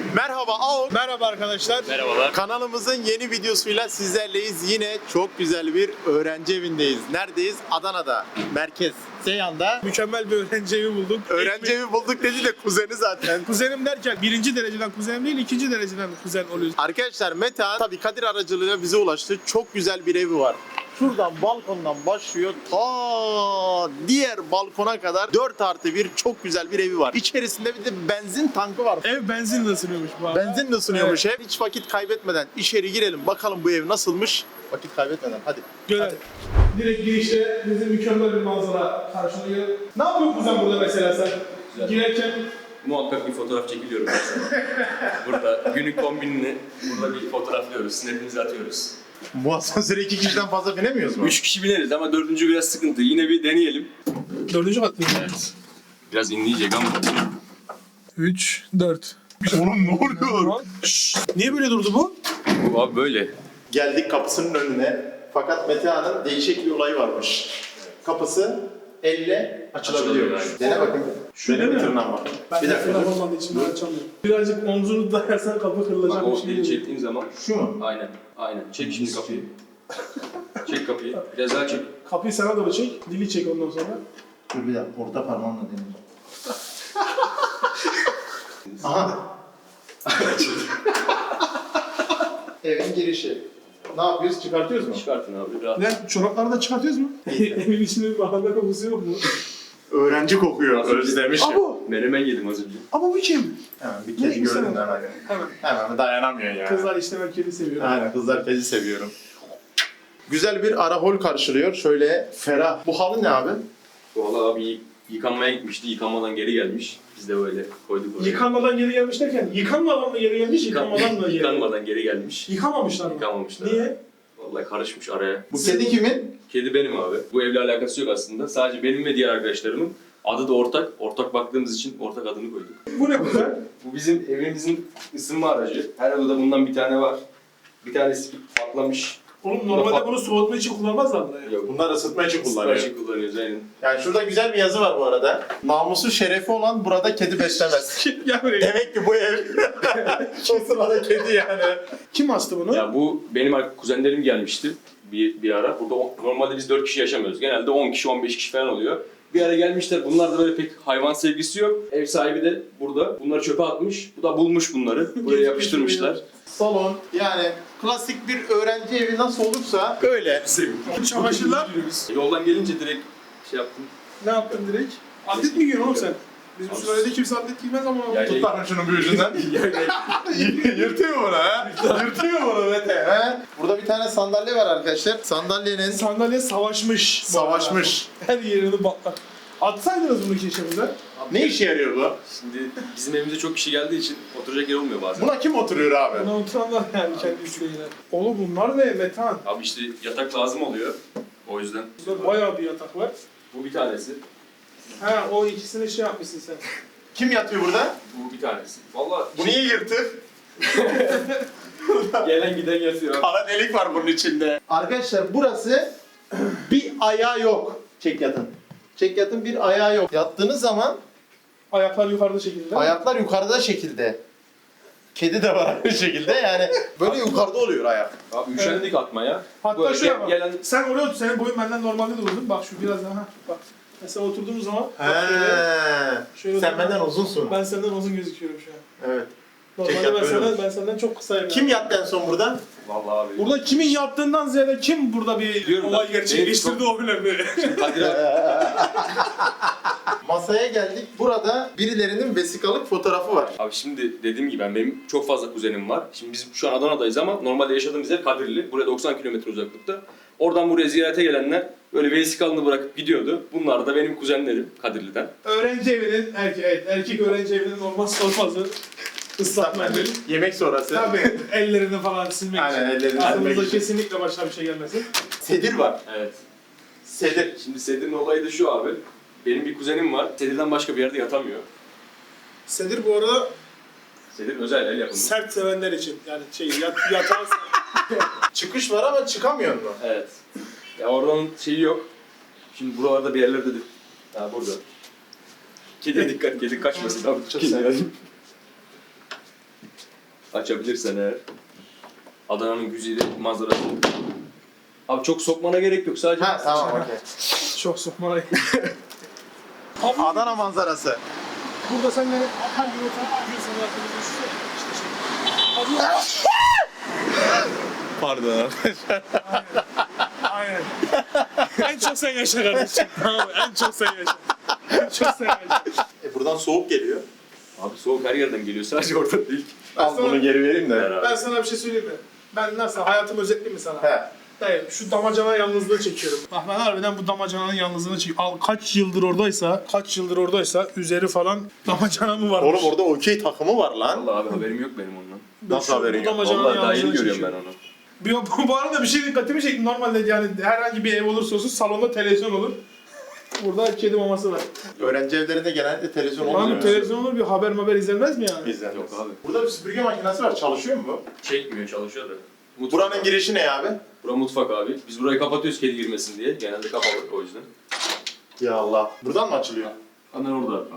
Merhaba Ağol. Merhaba arkadaşlar. Merhabalar. Kanalımızın yeni videosuyla sizlerleyiz. Yine çok güzel bir öğrenci evindeyiz. Neredeyiz? Adana'da. Merkez. Seyhan'da. Mükemmel bir öğrenci evi bulduk. Öğrenci evi bulduk dedi de kuzeni zaten. Kuzenim derken birinci dereceden kuzenim değil, ikinci dereceden kuzen oluyoruz. Arkadaşlar Metehan tabii Kadir aracılığıyla bize ulaştı. Çok güzel bir evi var. Şuradan balkondan başlıyor ta diğer balkona kadar 4+1 çok güzel bir evi var. İçerisinde bir de benzin tankı var. Ev benzinle ısınıyormuş bu arada. Benzin de ısınıyormuş ev. Hiç vakit kaybetmeden içeri girelim bakalım bu ev nasılmış. Vakit kaybetmeden hadi. Görelim. Direkt girişte bizi mükemmel bir manzara karşılıyor. Ne yapıyorsun kuzen burada mesela sen? Girerken Muhakkak bir fotoğraf çekiliyorum mesela. Burada günlük kombinini burada bir fotoğraflıyoruz, snap'imizi atıyoruz. Bu asansöre 2 kişiden fazla binemiyoruz mu? 3 kişi bineriz ama 4. biraz sıkıntı. Yine bir deneyelim. 4. kat mı? Evet. Biraz inleyecek ama. 3, 4. Oğlum ne oluyor? Niye böyle durdu bu? Bu abi böyle. Geldik kapısının önüne. Fakat Metehan'ın değişik bir olayı varmış. Kapısı elle açılabiliyormuş. Açılabiliyor, Dene bakayım. Şöyle Benim mi? bir tırnağım var. Ben Bir dakika. de olmadığı için ben açamıyorum. Birazcık omzunu dayarsan kapı Bak kırılacak bir o şey eli değil. çektiğin zaman. Şu mu? Aynen. Aynen. Çek şimdi kapıyı. Çek kapıyı. Biraz daha çek. Kapıyı sana doğru çek, dili çek ondan sonra. Dur bir dakika. Orta parmağımla deneyeceğim. Aha. Evin girişi. Ne yapıyoruz? Çıkartıyoruz mu? Çıkartın abi rahat. Ne? Çorapları da çıkartıyoruz mu? Evin içinde bir bahane kokusu yok mu? Öğrenci kokuyor. Nasıl? Özlemişim. Abo! Menemen yedim az önce. Ama bu kim? Hemen bir Ne kedi güzel gördüm oldu. hemen. Hemen. Hemen dayanamıyor ya. Kızlar işte ben kedi seviyorum. Aynen kızlar kedi seviyorum. Güzel bir ara hol karşılıyor. Şöyle ferah. Bu halı ne abi? Valla abi yıkanmaya gitmişti. Yıkanmadan geri gelmiş. Biz de böyle koyduk oraya. Yıkanmadan geri gelmiş derken, yıkanmadan mı geri gelmiş, yıkanmadan mı geri gelmiş? Yıkanmadan geri gelmiş. Yıkamamışlar mı? Yıkamamışlar. Niye? Vallahi karışmış araya. Bu kedi kimin? Kedi benim abi. Bu evle alakası yok aslında. Sadece benim ve diğer arkadaşlarımın. Adı da ortak. Ortak baktığımız için ortak adını koyduk. Bu ne güzel? Bu bizim evimizin ısınma aracı. Her odada bundan bir tane var. Bir tanesi patlamış. Oğlum normalde bunu soğutma için kullanmazlar mı ya? Yok. Bunlar ısıtma için Isınma kullanıyor. için kullanıyoruz aynen. Yani şurada güzel bir yazı var bu arada. Namusu şerefi olan burada kedi beslemez. Gel buraya. Demek ki bu ev o sırada kedi yani. Kim astı bunu? Ya bu benim kuzenlerim gelmişti bir ara. Burada normalde biz 4 kişi yaşamıyoruz. Genelde 10 kişi 15 kişi falan oluyor. Bir ara gelmişler. Bunlar da böyle pek hayvan sevgisi yok. Ev sahibi de burada. Bunları çöpe atmış. Bu da bulmuş bunları. Buraya yapıştırmışlar. Salon yani klasik bir öğrenci evi nasıl olursa öyle. Çamaşırlar. Yoldan gelince direkt şey yaptım. Ne yaptın direkt? Atlet mi giyiyorsun oğlum sen? Bizim sülalede kimse atlet giymez ama... Yani- Tut lan şunun bir ucundan. Yırtıyor bunu ha. Yırtıyor bunu Mete. He? Burada bir tane sandalye var arkadaşlar. Sandalyenin Sandalye savaşmış. bu savaşmış. arada. Her yerini batlar. Atsaydınız bunu keşimize. Ne işe yarıyor bu? Şimdi bizim evimize çok kişi geldiği için oturacak yer olmuyor bazen. Buna kim oturuyor abi? Buna oturanlar yani kendi isteğiyle. Oğlum bunlar ne Metehan? Abi işte yatak lazım oluyor. O yüzden. Burada bayağı bir yatak var. Bu bir tanesi. Ha o ikisini şey yapmışsın sen. Kim yatıyor burada? Bu bir tanesi. Vallahi Bu niye yırtık? gelen giden yatıyor. Kara delik var bunun içinde. Arkadaşlar burası bir ayağı yok. Çek yatın. Çek yatın bir ayağı yok. Yattığınız zaman Ayaklar yukarıda şekilde. ayaklar yukarıda şekilde. Kedi de var aynı şekilde yani böyle yukarıda oluyor ayak. Abi üşendik atmaya. Hatta Böyle şuraya bak. gelen Sen oraya otur. Senin boyun benden normalde de uzun. Bak şu biraz daha. Bak. Mesela oturduğumuz zaman. He. Şöyle Sen dur. benden uzunsun. Ben senden uzun gözüküyorum şu an. Evet. Normalde Çek yap, ben böyle senden, olur. ben senden çok kısayım. Kim yani. yattı en son burada? vallahi abi. Burada kimin yaptığından ziyade kim burada bir Diyorum olay ben, gerçekleştirdi o önemli. Kadir abi. Masaya geldik. Burada birilerinin vesikalık fotoğrafı var. Abi şimdi dediğim gibi benim çok fazla kuzenim var. Şimdi biz şu an Adana'dayız ama normalde yaşadığımız yer Kadirli. Buraya 90 kilometre uzaklıkta. Oradan buraya ziyarete gelenler böyle vesikalını bırakıp gidiyordu. Bunlar da benim kuzenlerim Kadirli'den. Öğrenci evinin, erkek öğrenci evinin olmazsa olmazı ıslatma evi. Yemek sonrası. Tabii ellerini falan silmek Aynen, için. ellerini silmek Aklımıza için. kesinlikle başına bir şey gelmesin. Sedir var. Evet. Sedir. Şimdi Sedir'in olayı da şu abi. Benim bir kuzenim var. Sedir'den başka bir yerde yatamıyor. Sedir bu arada Sedir özel el yapımı. sert sevenler için. Yani yatağı Çıkış var ama çıkamıyor mu? Evet. Ya oradan şeyi yok. Şimdi buralarda bir yerlerde de... Ha burada. Kediye dikkat, kedi kaçmasın abi. Çok severim. Açabilirsen eğer. Adana'nın güzeli manzarası. Abi çok sokmana gerek yok sadece. Ha tamam okey. Çok sokmalı. Adana manzarası. Burada sen de her gün oturup bir gün sana arkamda düşünsene. İşte şey. Pardon arkadaşlar. Aynen. En çok sen yaşa kardeşim. Tamam mı? En çok sen yaşa. En çok sen yaşa. Buradan soğuk geliyor. Abi soğuk her yerden geliyor sadece orada değil. Al bunu geri vereyim de. Ben sana bir şey söyleyeyim mi? Ben nasıl hayatımı özetleyeyim mi sana? He. Dayı şu damacana yalnızlığı çekiyorum. Bak ben harbiden bu damacananın yalnızlığını çekiyorum. Al kaç yıldır oradaysa üzeri falan damacana mı varmış? Oğlum orada okey takımı var lan. Vallahi abi haberim yok benim ondan. Nasıl haberin Bu yok? damacananın Vallahi daha yeni yalnızlığını görüyorum ben çekiyorum. onu. Bu arada bir şey dikkatimi çekti. Normalde yani herhangi bir ev olursa olsun salonda televizyon olur. Burada kedi maması var. Öğrenci evlerinde genellikle televizyon Abi olmuyor. televizyon olur bir haber izlenmez mi yani? Bizden. Yok abi. Burada bir süpürge makinesi var. Çalışıyor mu bu? Çekmiyor çalışıyor da. Buranın girişi ne abi? Bura mutfak abi. Biz burayı kapatıyoruz kedi girmesin diye. Genelde kapalı o yüzden. Ya Allah. Buradan mı açılıyor? Anan orada abi.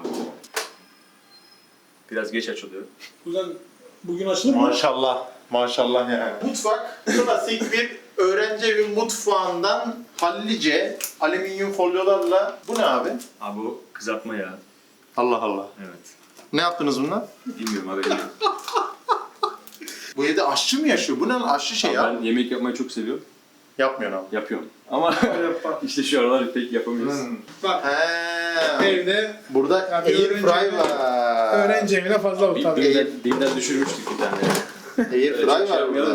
Biraz geç açılıyor. Kuzen bugün açılır mı? Maşallah. Maşallah yani. Mutfak klasik bir öğrenci evi mutfağından hallice alüminyum folyolarla. Bu ne abi? Abi o kızartma ya. Allah Allah. Evet. Ne yaptınız bununla? Bilmiyorum haberim yok. Bu evde aşçı mı yaşıyor? Bu ne lan? Aşçı şey ya. Ben yemek yapmayı çok seviyorum. Yapmıyorsun abi. Yapıyorum. Ama Yap bak. işte şu aralar pek yapamıyoruz. Bak He. evde Burada Ya bir air öğrenci fry evi- var. öğrenci evine fazla bu tabii. Dinden düşürmüştük bir tane. Air fry Öyle bir şey var burada. yapmayalım.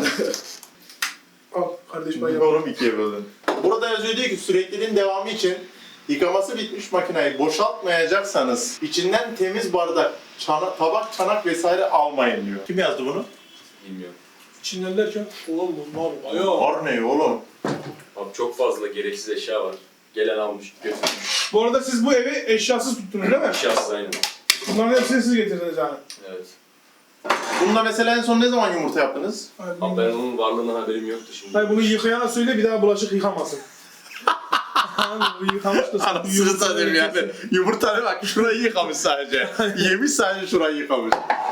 Al kardeş ben yap. Oğlum ikiye böldün. Burada yazıyor diyor ki sürekliliğin devamı için yıkaması bitmiş makineyi boşaltmayacaksanız içinden temiz bardak, tabak, çanak vesaire almayın diyor. Kim yazdı bunu? Bilmiyorum. İçinden derken oğlum bunlar bayağı. Var ne oğlum? Abi çok fazla gereksiz eşya var. Gelen almış, götürmüş. Bu arada siz bu evi eşyasız tuttunuz değil mi? Eşyasız aynen. Bunların hepsini siz getirdiniz yani. Evet. Bunda mesela en son ne zaman yumurta yaptınız? Abi ben onun varlığından haberim yoktu şimdi. Hayır bunu yıkayana söyle bir daha bulaşık yıkamasın. Abi bu yıkamış da sen bu yumurtayı yıkasın. Yumurtanı bak şurayı yıkamış sadece. Yemiş sadece şurayı yıkamış.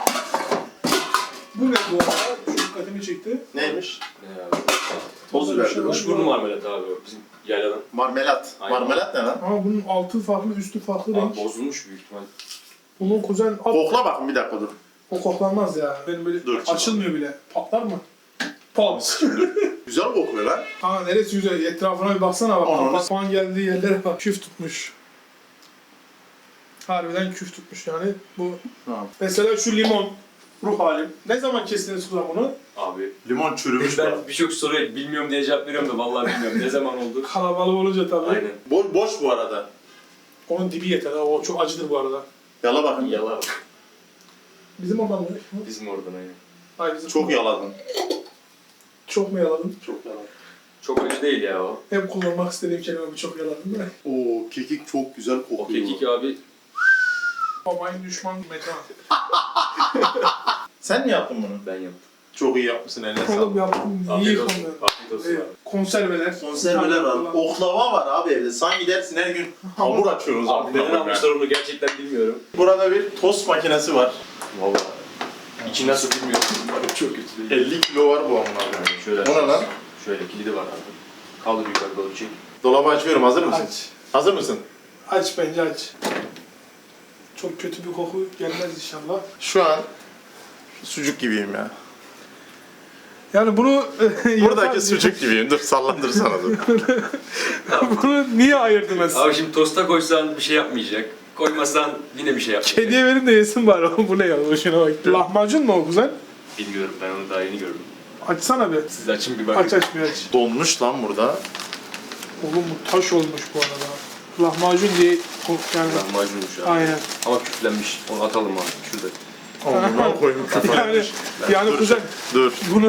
Bu ne bu arada? Şu dikkatimi çekti. Neymiş? Ne abi? Toz Burada bir biber. şey var. Kuşburnu marmelatı abi o bizim yayladan. Marmelat. Aynen. Marmelat ne lan? Ama bunun altı farklı, üstü farklı renk. Abi bozulmuş büyük ihtimal. Bunun kuzen at. Kokla bakın bir dakika dur. O koklanmaz ya. Benim böyle Dur. açılmıyor bile. Patlar mı? Pat. Güzel kokuyor lan. Aa neresi güzel. Etrafına bir baksana bak. Ananı Apartman geldiği yerlere bak. Küf tutmuş. Harbiden küf tutmuş yani. Bu Tamam. mesela şu limon. Ruh halim. Ne zaman kestiniz kuzen bunu? Abi Limon çürümüş bak. ben birçok soruya bilmiyorum diye cevap veriyorum da vallahi bilmiyorum ne zaman oldu. Kalabalık olunca tabii. Aynen. Boş bu arada. Onun dibi yeter. Ha. O çok acıdır bu arada. Yala bakın. Yala. Bizim oradan mı? Bizim oradan aynen. Hayır bizim. Çok yaladın. Çok mu yaladın? Çok yaladın. Çok acı değil ya o. Hep kullanmak istediğim kelime bu çok yaladın değil mi? Oo kekik çok güzel kokuyor. O kekik abi Babayın düşman mekan. Sen mi yaptın bunu? ben yaptım. Çok iyi yapmışsın eline sağlık. Oğlum yaptım. İyi Afiyet olsun. konuyor. Afiyet olsun abi. Konserveler. Konserveler var. Oklava var abi evde. Sanki dersin her gün hamur açıyoruz Abi neden almışlar onu gerçekten bilmiyorum. Burada bir tost makinesi var. Vallahi. İçi nasıl bilmiyorum. Abi çok kötü değil. 50 kilo var bu amına koyayım. Şöyle. O ne lan? Şöyle kilidi var abi. Kaldır yukarı doğru çek. Dolabı açıyorum. Hazır mısın? Aç. Hazır mısın? Aç bence aç. Çok kötü bir koku gelmez inşallah. Şu an sucuk gibiyim ya. Yani bunu Buradaki sucuk gibiyim. Dur sallandırsana dur. bunu niye ayırdınız? Abi şimdi tosta koysan bir şey yapmayacak. Koymasan yine bir şey yapmayacak. Kediye verin de yesin bari. Bu ne ya? Boşuna bak. Lahmacun mu o kuzen? Bilmiyorum ben onu daha yeni gördüm. Açsana bir. Siz açın bir bakın. Aç aç bir aç. Donmuş lan burada. Oğlum bu taş olmuş bu arada. Lahmacun diye yani. Lahmacunmuş abi. Aynen. Ama küflenmiş. Onu atalım abi şurada. Amına koyayım Yani, yani Dur. kuzen Dur. bunu...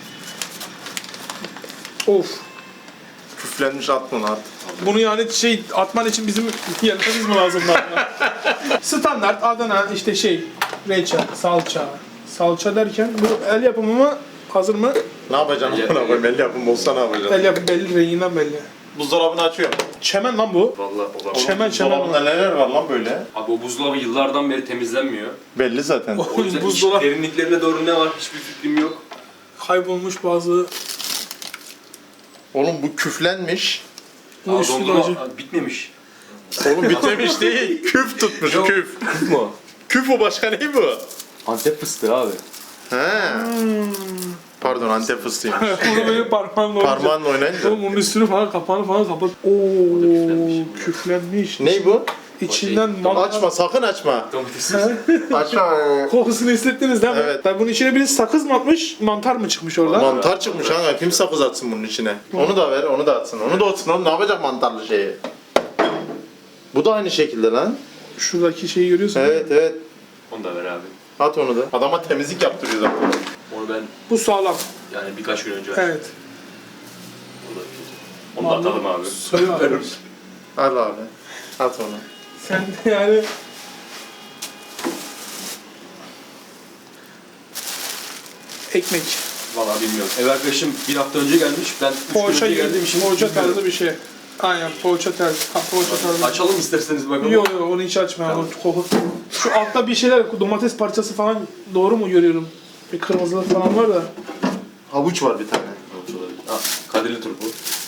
Of. Küflenmiş at bunu at. Bunu yani şey atman için bizim yerlerimiz mi lazım lan? Standart Adana işte şey reçel, salça. Salça derken bu el yapımı mı? Hazır mı? Ne yapacaksın Ya- amına koyayım? El yapım olsa ne yapacaksın? El yapımı belli, renginden belli. Buzdolabını açıyorum. Çemen lan bu. Vallahi olabilir. Çemen Buzdolabında neler var lan böyle? Abi o buzdolabı yıllardan beri temizlenmiyor. Belli zaten. O yüzden Buzdolabı- derinliklerine doğru ne var hiçbir fikrim yok. Kaybolmuş bazı. Oğlum bu küflenmiş. Bu Aa, üstü dondurma acı. bitmemiş. Oğlum bitmemiş değil. Küf tutmuş Yok. küf. Küf mü o? Küf o başka ne bu? Antep fıstığı abi. He. Pardon Antep fıstığıymış. Bunu böyle parmağınla oynayacak. Parmağınla oynayınca. Oğlum onun üstünü falan kapağını falan kapat. Oo küflenmiş. küflenmiş. Ney bu? İçinden mantar. Açma sakın açma. Domatessiz. Açma. Kokusunu hissettiniz değil mi? Evet. Ben bunun içine birisi sakız mı atmış, mantar mı çıkmış orada? Mantar çıkmış kanka. Kim sakız atsın bunun içine? Onu da ver, onu da atsın. Onu da atsın. Oğlum ne yapacak mantarlı şeyi? Bu da aynı şekilde lan. Şuradaki şeyi görüyorsun. Evet evet. Onu da ver abi. At onu da. Adama temizlik yaptırıyor zaten. Onu ben Bu sağlam. yani birkaç gün önce açtım. Evet. O da kötü. Onu da atalım abi. Söyle abi. Al abi. At onu. Sen de yani... Ekmek. Valla bilmiyorum. Ev arkadaşım bir hafta önce gelmiş. Ben 3 gün Poğaça önce gibi, geldiğim için poğaça bilmiyorum. tarzı bir şey. Aynen poğaça tarzı. Ha, poğaça tarzı. Açalım isterseniz bakalım. Yok yok onu hiç açma. Tamam. O koku. Şu altta bir şeyler, domates parçası falan doğru mu görüyorum? Bir kırmızılık falan var da. Havuç var bir tane. Ha, Kadirli turpu.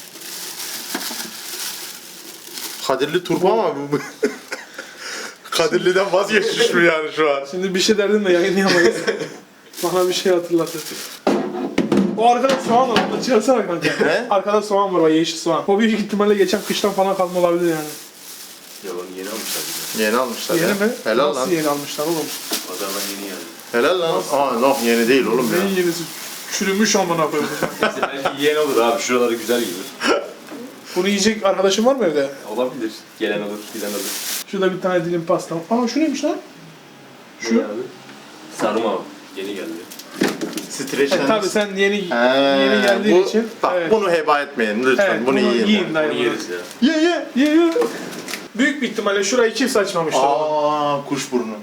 Kadirli turpu ama bu... Kadirli'den vazgeçmiş mi yani şu an? Şimdi bir şey derdin de yayınlayamayız. Bana bir şey hatırlatır. O arkada soğan var, onu çıkarsana kanka. Ne? Arkada soğan var, o yeşil soğan. O büyük ihtimalle geçen kıştan falan kalma olabilir yani. Ya onu yeni almışlar bize. Yeni almışlar Yeni ya. mi? Helal Nasıl lan. yeni almışlar oğlum? Pazardan yeni geldi. Helal lan. Aa noh yeni değil oğlum ya. Neyin yenisi? Çürümüş amına koyayım. Neyse belki yeni olur abi. Şuraları güzel gelir. Bunu yiyecek arkadaşın var mı evde? Olabilir. Gelen alır, giden alır. Şurada bir tane dilim pasta. Aa şu neymiş lan? Şu ne abi? Sarma abi. Yeni geldi. Streçlenmiş. Tabii sen yeni He, yeni geldiğin bu- için. Bak evet. bunu heba etmeyin lütfen. Evet, bunu yiyin. Bunu dayı. yeriz ya. Ye. Büyük bir ihtimalle şurayı kimse açmamıştır. Aa kuşburnu.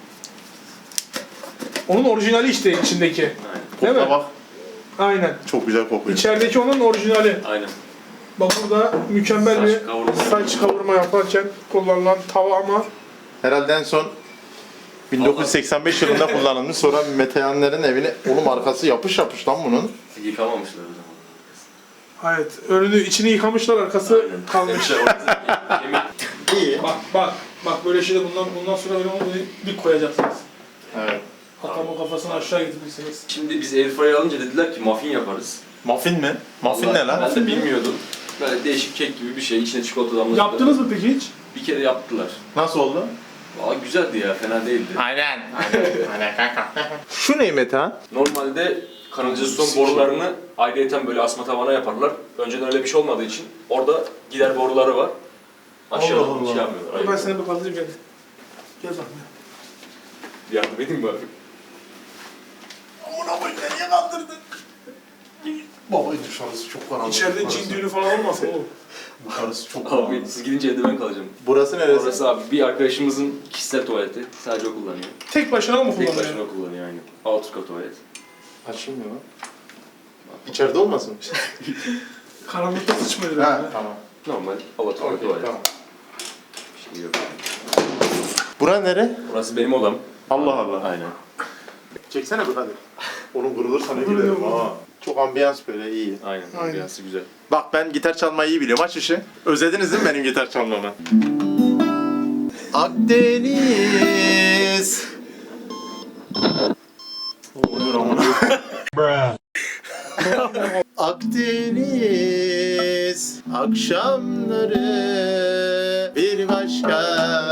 Onun orijinali işte içindeki. Aynen. Değil mi? Kokla bak. Aynen. Çok güzel kokuyor. İçerideki onun orijinali. Aynen. Bak burada mükemmel Saç bir kavurma. saç kavurma yaparken kullanılan tava ama Herhalde en son 1985 yılında kullanılmış. Sonra Metehanların evine oğlum arkası yapış yapış lan bunun. Yıkamamışlar o zaman. evet önünü içini yıkamışlar arkası kalmış. Demişler orası yemek. İyi. Bak böyle şeyde bundan sonra öyle olmadı dik koyacaksınız. Evet. Hatta kafasını aşağı getirmişsiniz. Şimdi biz airfryer alınca dediler ki muffin yaparız. Muffin mi? Muffin ne Vallahi lan? Ben de bilmiyordum. Böyle değişik kek gibi bir şey. İçine çikolata damlattılar. Yaptınız mı peki hiç? Bir kere yaptılar. Nasıl oldu? Valla güzeldi ya, fena değildi. Aynen. Aynen kanka. Şu ne Metehan? Normalde kanalizasyon borularını ayrıyeten böyle asma tavana yaparlar. Önceden öyle bir şey olmadığı için orada gider boruları var. Aşağıdan Allah Allah. şey yapmıyorlar. Ben Aynen. seni bir kaldırayım gel. Gel bak. Yardım edeyim mi abi? Amına koyayım niye kaldırdın? Baba dışarısı çok karanlık. İçeride cin düğünü falan olmasın oğlum. Dışarısı çok Abi karanlık. siz gidince evde ben kalacağım. Burası neresi? Orası abi bir arkadaşımızın kişisel tuvaleti. Sadece o kullanıyor. Tek başına mı Tek kullanıyor? başına kullanıyor aynen. Outerka tuvalet. Açılmıyor lan. İçeride olmasın? Karanlıkta sıçmıyor Ha yani. tamam. Normal Alaturka Okey, tuvalet. tamam. Bir şey yok. Bura nere? Burası benim odam. Allah Allah. Aynen. Çeksene bir hadi. Onun kırılırsa ne Kırılıyor giderim mu? ha. Çok ambiyans böyle iyi. Aynen. Aynen. Biraz güzel. Bak ben gitar çalmayı iyi biliyorum. Aç işi. Özlediniz değil mi benim gitar çalmamı? Akdeniz. Oluyor amına. Akdeniz akşamları bir başka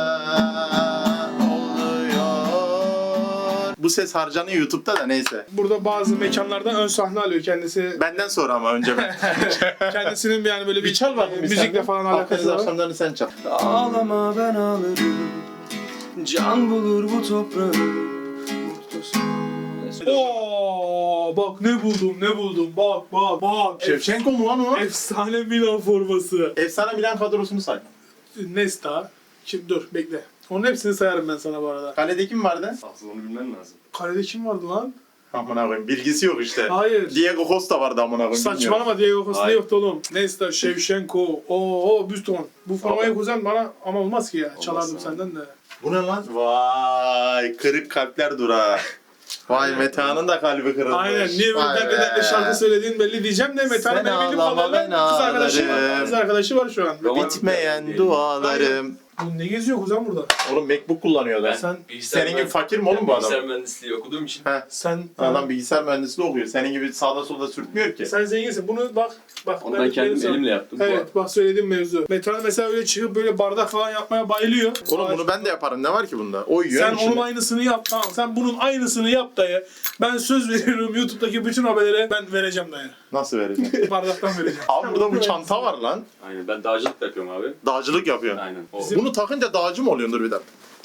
oluyor. Bu ses harcanıyor YouTube'da da neyse. Burada bazı mekanlarda ön sahne alıyor kendisi. Benden sonra ama önce ben. Kendisinin yani böyle Bir çal bakayım. bir müzikle sen. falan Akdeniz alakası var. akşamlarını sen çal. Ağlama ben ağlarım. Can bulur bu toprağı. Mutlusun. Oo, bak ne buldum. Bak. Şevçenko mu lan o? Efsane Milan forması. Efsane Milan kadrosunu say. Nesta. Şimdi dur bekle. Onun hepsini sayarım ben sana bu arada. Kalede kim vardı? Aslında onu bilmen lazım. Kalede kim vardı lan? Amına koyayım. Bilgisi yok işte. Hayır. Diego Costa vardı amına koyayım. bilmiyorum. Saçmalama Diego Costa Hayır. yoktu oğlum. Neyse Shevchenko. Büston. Bu formayı kuzen bana ama olmaz ki ya. Çalardım Olmaz senden de. Bu ne lan? Vay kırık kalpler durağı. Vay Meta'nın da kalbi kırılmış. Aynen. Niye böyle Vay dertle be. şarkı söylediğin belli diyeceğim de Meta'nın Sen benim bildiğim ağlama, kadarıyla ben kız arkadaşı var şu an. Bitmeyen dualarım. Bu ne geziyor kuzen burada? Oğlum MacBook kullanıyor lan. Sen- Senin gibi fakir mi oğlum bu adam? Bilgisayar mühendisliği okuduğum için. He. Sen Adam bilgisayar mühendisliği okuyor. Senin gibi sağda solda sürtmüyor ki. sen zenginsin. Bunu bak Onu ben kendim sana- elimle yaptım. Evet bak söylediğim mevzu. Metal mesela öyle çıkıp böyle bardak falan yapmaya bayılıyor. Oğlum bunu ben de yaparım. Ne var ki bunda? O yiyor Sen içinde. onun aynısını yap. Tamam sen bunun aynısını yap dayı. Ben söz veriyorum YouTube'daki bütün haberlere ben vereceğim dayı. Nasıl vereceğim? Bardaktan vereceğim. Abi burada bu çanta var lan. Aynen ben dağcılık da yapıyorum abi. Dağcılık yapıyor. Aynen. O. Bunu takınca dağcı mı oluyorsun? Dur bir dakika.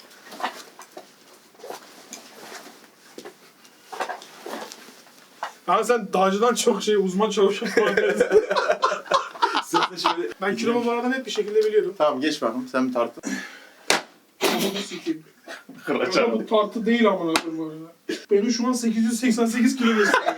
Abi sen dağcıdan çok uzman çalışan falan dersin. Sırtı şöyle. Ben kilomu bu arada net bir şekilde biliyorum. Tamam geç bakalım. Sen bir tartın. Onu sikeyim. Kıraçam. Bu tartı değil amına koyayım bu arada. Benim şu an 888 kilo gösteriyor.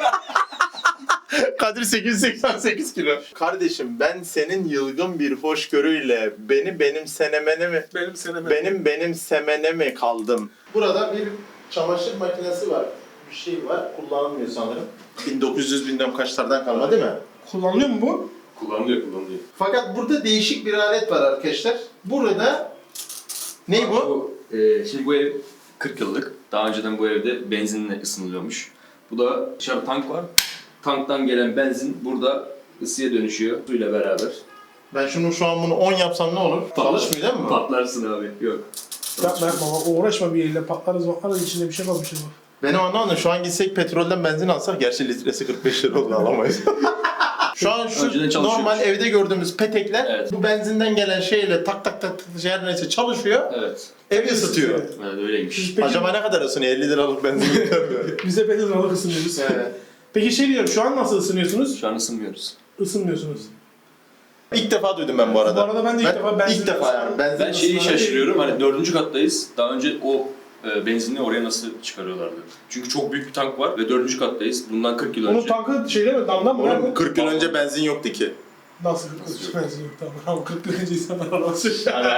Kadir 888 kilo. Kardeşim ben senin yılgın bir hoşgörüyle beni benimsemene mi Benim seneme. benimsemene mi kaldım? Burada bir çamaşır makinesi var. Bir şey var. Kullanılmıyor sanırım. 1900 bilmem kaçlardan kalma değil mi? Kullanılıyor mu bu? Kullanılıyor. Fakat burada değişik bir alet var arkadaşlar. Burada ne bu? Şimdi bu ev 40 yıllık. Daha önceden bu evde benzinle ısınılıyormuş. Bu da dışarıda tank var. Tanktan gelen benzin burada ısıya dönüşüyor suyla beraber. Ben şu an bunu 10 yapsam ne olur? Çalışmıyor değil mi? Patlarsın abi. Yok. Yapma baba uğraşma bir elle patlarız içinde bir şey kalmışız bak. Benim anlamadım. Şu an gitsek petrolden benzin alsak, gerçi litresi 45 lira oldu alamayız. Şu an Önceden şu çalışıyormuş. normal evde gördüğümüz petekler Evet. bu benzinden gelen şeyle tak tak tak her neyse çalışıyor. Evet. Evi ısıtıyor. Evet öyleymiş. Peki, Acaba ne kadar ısınıyor? 50 liralık benzin yeter mi? bize bedavalık ısınıyoruz. Evet. Peki şey diyorum şu an nasıl ısınıyorsunuz? Şu an ısınmıyoruz. Isınmıyorsunuz. İlk defa duydum ben bu arada. Bu arada ben de ilk defa benzin- ilk defa yani. Benzin Ben şeyi ısınma- şaşırıyorum. Hani 4. kattayız. Daha önce o benzinli oraya nasıl çıkarıyorlardı? Çünkü çok büyük bir tank var ve 4. kattayız. Bundan 40 yıl Onun önce. tankı şeyde mi? Damdan mı? Oğlum Nerede? 40 yıl önce benzin yoktu ki. Nasıl 40 benzin yok tamam. 40 yıl önce insanlar arabası.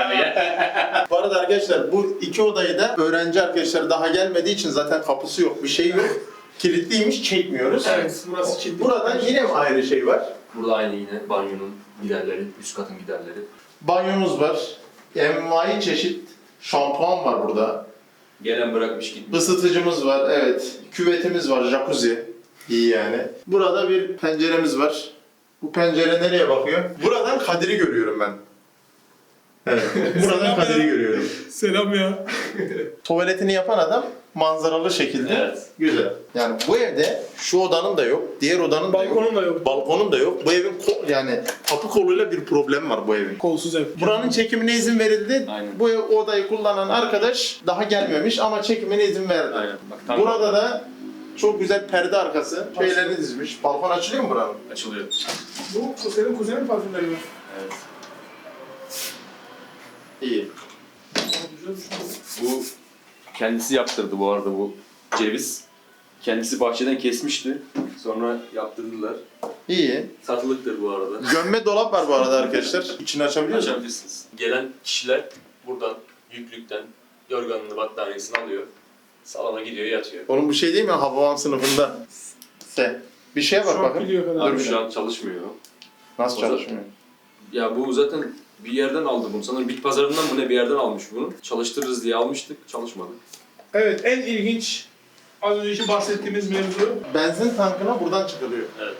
Bu arada arkadaşlar bu iki odayı da öğrenci arkadaşlar daha gelmediği için zaten kapısı yok, bir şey yok. Kilitliymiş, çekmiyoruz. Evet burası kilitli. Buradan yine mi ayrı şey var? Burada aynı yine banyonun giderleri, üst katın giderleri. Banyomuz var. Envai çeşit şampuan var burada. Gelen bırakmış gitmiş. Isıtıcımız var, evet. Küvetimiz var, jacuzzi. İyi yani. Burada bir penceremiz var. Bu pencere nereye bakıyor? Buradan Kadir'i görüyorum ben. Evet. Buradan Kadir'i görüyorum. Selam ya. Tuvaletini yapan adam manzaralı şekilde. Evet. Güzel. Yani bu evde şu odanın da yok, diğer odanın da yok. Balkonun da yok. Balkonun da yok. Bu evin yani kapı koluyla bir problem var bu evin. Kolsuz ev. Buranın çekimine izin verildi. Aynen. Bu odayı kullanan arkadaş daha gelmemiş ama çekimine izin verdi. Aynen. Bak, tam Burada da çok güzel perde arkası. Şeylerini dizmiş. Balkon açılıyor mu buranın? açılıyor. Bu senin kuzenin parfümleri mi? Evet. İyi. Bu kendisi yaptırdı bu arada bu ceviz. Kendisi bahçeden kesmişti. Sonra yaptırdılar. İyi. Satılıktır bu arada. Gömme dolap var bu arada arkadaşlar. İçini açabiliyor musun? Açabilirsiniz. Gelen kişiler buradan yüklükten yorganını battaniyesini alıyor. Salona gidiyor yatıyor. Oğlum bu şey değil mi? Hababam sınıfında. Bir şeye bak Şu an bakın. biliyor kadar. Dur Abi bir şu an çalışmıyor. Nasıl O da- çalışmıyor? Ya bu zaten bir yerden aldı bunu. Sanırım bit pazarından mı ne bir yerden almış bunu. Çalıştırırız diye almıştık. Çalışmadı. Evet en ilginç az önceki bahsettiğimiz mevzu Benzin tankına buradan çıkılıyor. Evet.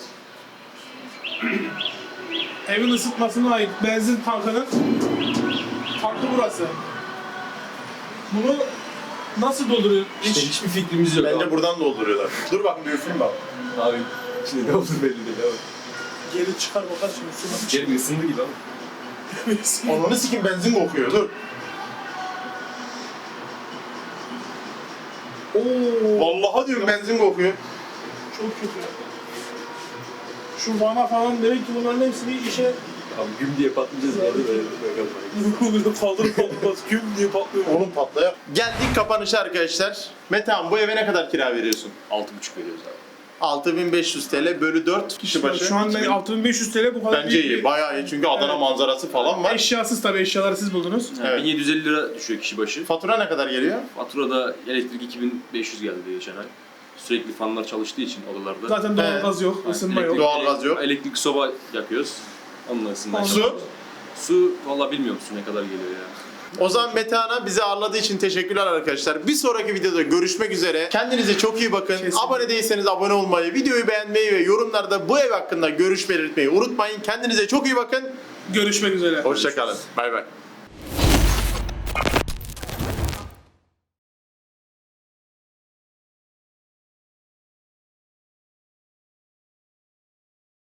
evin ısıtmasına ait benzin tankının tankı burası. Bunu nasıl dolduruyor? İşte hiçbir fikrimiz yok. Bence buradan dolduruyorlar. Dur bakın bir üfleyeyim bak. Abi şimdi ne olur belli değil abi. Geri çıkar bakar şimdi su İçeri ısındı gibi ama. Ananı sikim benzin kokuyor dur. Oo, Vallahi diyorum benzin kokuyor. çok kötü. Şu vana falan demek ki bunların hepsini işe Abi güm diye patlayacağız yani böyle. Kaldırıp kaldırmaz güm diye patlıyor. Onun patlaya. Geldik kapanışa arkadaşlar. Metehan bu eve ne kadar kira veriyorsun? 6,5 veriyoruz abi. 6500 TL bölü 4 kişi başı. Şu an 6500 TL bu kadar Bence büyük iyi. bir- Bayağı iyi çünkü Adana Evet. manzarası falan var. Eşyasız tabii, eşyaları siz buldunuz. Yani Evet. 1750 lira düşüyor kişi başı. Fatura ne kadar geliyor? Faturada elektrik 2500 geldi geçen ay. Sürekli fanlar çalıştığı için odalarda. Zaten doğalgaz yok, Yani ısınma elektrik- yok. Doğalgaz yok. Elektrik soba yakıyoruz. Onunla ısınmaya Su? çalışıyoruz. Su valla bilmiyorum su ne kadar geliyor ya. O zaman Metehan'a bizi ağırladığı için teşekkürler arkadaşlar. Bir sonraki videoda görüşmek üzere. Kendinize çok iyi bakın. Kesinlikle. Abone değilseniz abone olmayı, videoyu beğenmeyi ve yorumlarda bu ev hakkında görüş belirtmeyi unutmayın. Kendinize çok iyi bakın. Görüşmek üzere. Hoşçakalın. Bay bay.